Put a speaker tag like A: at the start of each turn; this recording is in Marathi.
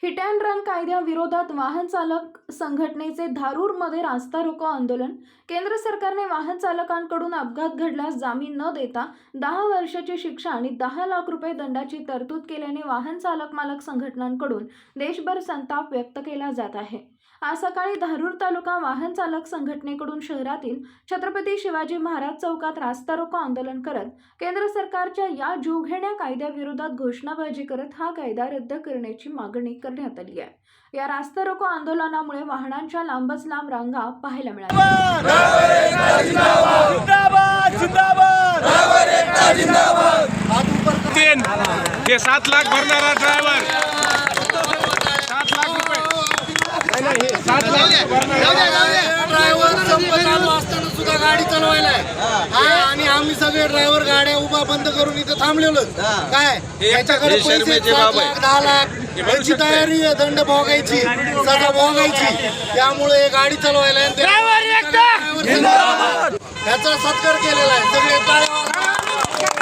A: हिट अँड रन कायद्याविरोधात वाहन चालक संघटनेचे धारूरमध्ये रास्ता रोको आंदोलन। केंद्र सरकारने वाहन चालकांकडून अपघात घडल्यास जामीन न देता 10 वर्षाची शिक्षा आणि 10 लाख रुपये दंडाची तरतूद केल्याने वाहन चालक मालक संघटनांकडून देशभर संताप व्यक्त केला जात आहे। आज सकाळी धारूर तालुका वाहन चालक संघटनेकडून शहरातील छत्रपती शिवाजी महाराज चौकात रास्ता रोको आंदोलन करत केंद्र सरकारच्या या जीवघेण्या कायद्याविरोधात घोषणाबाजी करत हा कायदा रद्द करण्याची मागणी करण्यात आली आहे। या रास्ता रोको आंदोलनामुळे वाहनांच्या लांबच लांब रांगा पाहायला मिळाल्या।
B: ते 7 लाख भरणारा ड्रायव्हर 7 लाख रुपये 7 लाख
C: ड्रायव्हर संप चालू असताना सुद्धा गाडी चालवायला आणि आम्ही सगळे ड्रायव्हर गाड्या उभा बंद करून इथं थांबलेलो। काय याच्याकडे पैसे 7 लाख 10 लाख याची तयारी आहे, दंड भोगायची, सजा भोगायची। त्यामुळे गाडी चालवायला याचा सत्कार केलेला आहे। सगळे टाळ्या